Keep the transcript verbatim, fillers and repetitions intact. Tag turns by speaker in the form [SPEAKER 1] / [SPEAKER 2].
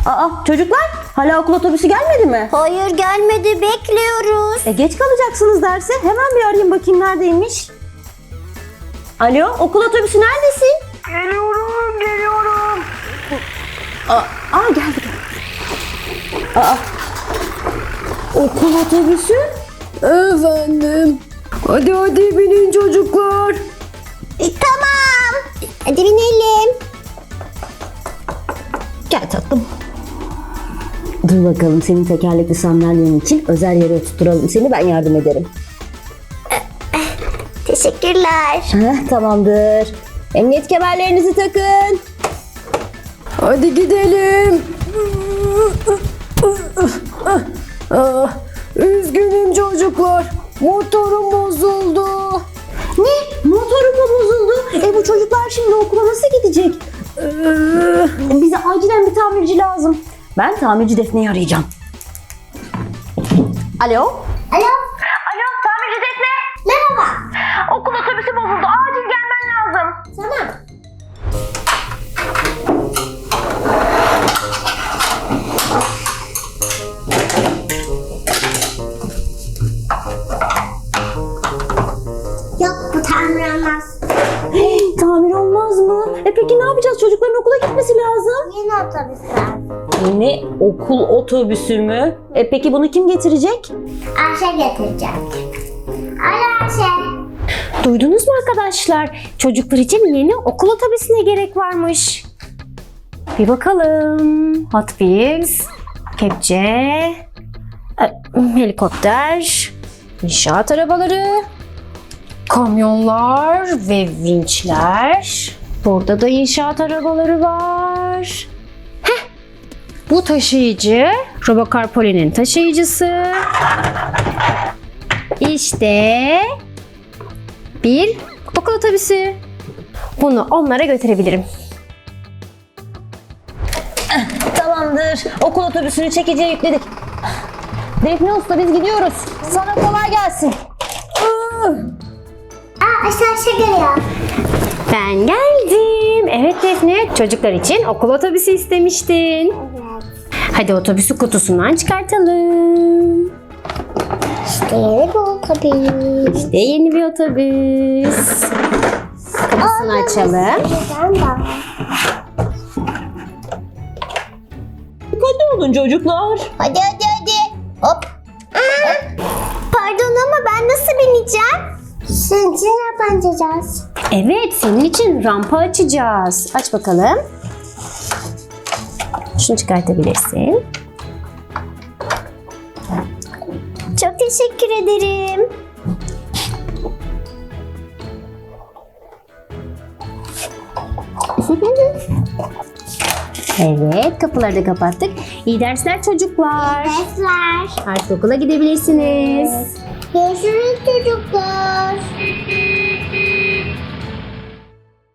[SPEAKER 1] Aa çocuklar, hala okul otobüsü gelmedi mi?
[SPEAKER 2] Hayır gelmedi, bekliyoruz.
[SPEAKER 1] E geç kalacaksınız derse. Hemen bir arayayım bakayım neredeymiş. Alo, okul otobüsü neredesin?
[SPEAKER 3] Geliyorum, geliyorum.
[SPEAKER 1] Aa, aa geldi. Aa, okul otobüsü? Efendim. Hadi hadi binin çocuklar.
[SPEAKER 2] E, tamam. Hadi binelim.
[SPEAKER 1] Gel tatlım. Dur bakalım, senin tekerlekli sandalyen için özel yere oturtturalım seni, ben yardım ederim.
[SPEAKER 2] Teşekkürler.
[SPEAKER 1] Heh, tamamdır. Emniyet kemerlerinizi takın. Hadi gidelim. Ah, üzgünüm çocuklar. Motorum bozuldu. Ne? Motorum mu bozuldu? E bu çocuklar şimdi okula nasıl gidecek? Ee, bize acilen bir tamirci lazım. Ben tamirci Defne'yi arayacağım. Alo?
[SPEAKER 2] Alo.
[SPEAKER 3] Alo, tamirci Defne.
[SPEAKER 2] Merhaba.
[SPEAKER 3] Okul otobüsü bozuldu. Acil gelmen lazım.
[SPEAKER 2] Tamam. Yok, bu tamir olmaz.
[SPEAKER 1] Tamir olmaz mı? E peki ne yapacağız? Çocukların okula gitmesi lazım.
[SPEAKER 2] Yeni otobüsler.
[SPEAKER 1] Yeni okul otobüsü mü? E peki bunu kim getirecek?
[SPEAKER 2] Ayşe getirecek. Alo Ayşe.
[SPEAKER 4] Duydunuz mu arkadaşlar? Çocuklar için yeni okul otobüsüne gerek varmış. Bir bakalım. Hot Wheels, kepçe, e, helikopter, inşaat arabaları, kamyonlar ve vinçler. Burada da inşaat arabaları var. Heh, bu taşıyıcı, Robocar Poli'nin taşıyıcısı. İşte bir okul otobüsü. Bunu onlara götürebilirim.
[SPEAKER 1] Tamamdır. Okul otobüsünü çekiciye yükledik. Defne Usta, biz gidiyoruz. Sana kolay gelsin.
[SPEAKER 2] Aa, Ayşe Ayşe geliyor.
[SPEAKER 4] Ben geldim. Evet Defne, çocuklar için okul otobüsü istemiştin.
[SPEAKER 2] Evet.
[SPEAKER 4] Hadi otobüsü kutusundan çıkartalım.
[SPEAKER 2] İşte yeni bir otobüs.
[SPEAKER 4] İşte yeni bir otobüs. Kapısını açalım.
[SPEAKER 2] Güzel bak.
[SPEAKER 1] Dikkatli olun çocuklar.
[SPEAKER 2] Hadi hadi hadi. Hop. Pardon ama ben nasıl bineceğim? Sizin için yapacağız.
[SPEAKER 4] Evet, senin için rampa açacağız. Aç bakalım. Şunu çıkartabilirsin.
[SPEAKER 2] Çok teşekkür ederim.
[SPEAKER 4] Evet, kapıları da kapattık. İyi dersler çocuklar.
[SPEAKER 2] Dersler.
[SPEAKER 4] Artık okula gidebilirsiniz.
[SPEAKER 2] Görüşürüz çocuklar.